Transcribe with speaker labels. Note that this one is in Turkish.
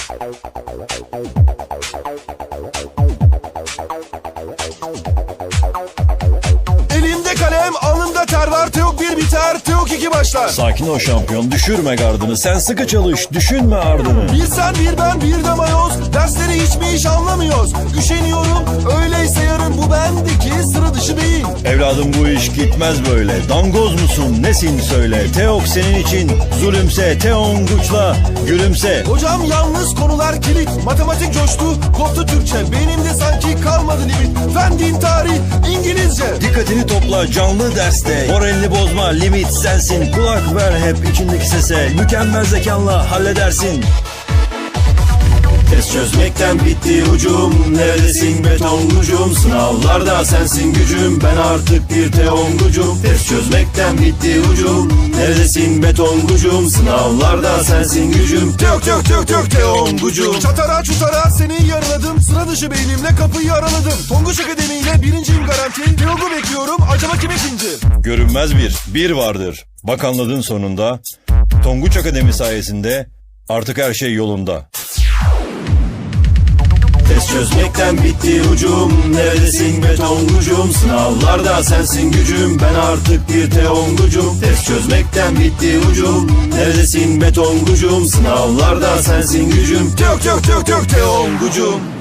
Speaker 1: Elimde kalem, alnımda ter var. Teok 1 biter, Teok 2 başlar.
Speaker 2: Sakin ol şampiyon, düşürme gardını. Sen sıkı çalış, düşünme ardını.
Speaker 1: Bir sen bir ben bir de mayoz. Dersleri hiç mi hiç anlamıyoruz. Üşeniyorum, öyleyse yarın bu bendeki sıra dışı değil.
Speaker 2: Evladım bu iş gitmez böyle. Dangoz musun, nesin söyle. Teok senin için zulümse. Teonguç'la gülümse.
Speaker 1: Hocam yalnız konular kilit. Matematik coştu, koptu Türkçe. Benimde sanki kalmadı limit. Fen, din, tarih, İngilizce.
Speaker 2: Dikkatini topla canlı derste. Moralini bozma, limit sensin. Kulak ver hep içindeki sese. Mükemmel zekanla halledersin.
Speaker 3: Test çözmekten bitti ucum. Neredesin betongucum? Sınavlarda sensin gücüm. Ben artık bir teongucum. Test çözmekten bitti ucum. Neredesin betongucum? Sınavlarda sensin gücüm.
Speaker 1: Teok teok teok teok teongucum. Çatara çutara seni yaraladım. Sıra dışı beynimle kapıyı araladım. Tonguç Akademi ile birinciyim garanti. Teok'u bekliyorum, acaba kim ikinci?
Speaker 2: Görünmez bir vardır. Bak anladın sonunda. Tonguç Akademi sayesinde artık her şey yolunda.
Speaker 3: Test çözmekten bitti ucum. Neredesin betongucum? Sınavlarda sensin gücüm. Ben artık bir teongucum. Test çözmekten bitti ucum. Neredesin betongucum? Sınavlarda sensin gücüm.
Speaker 1: Teok teok teok teok teongucum.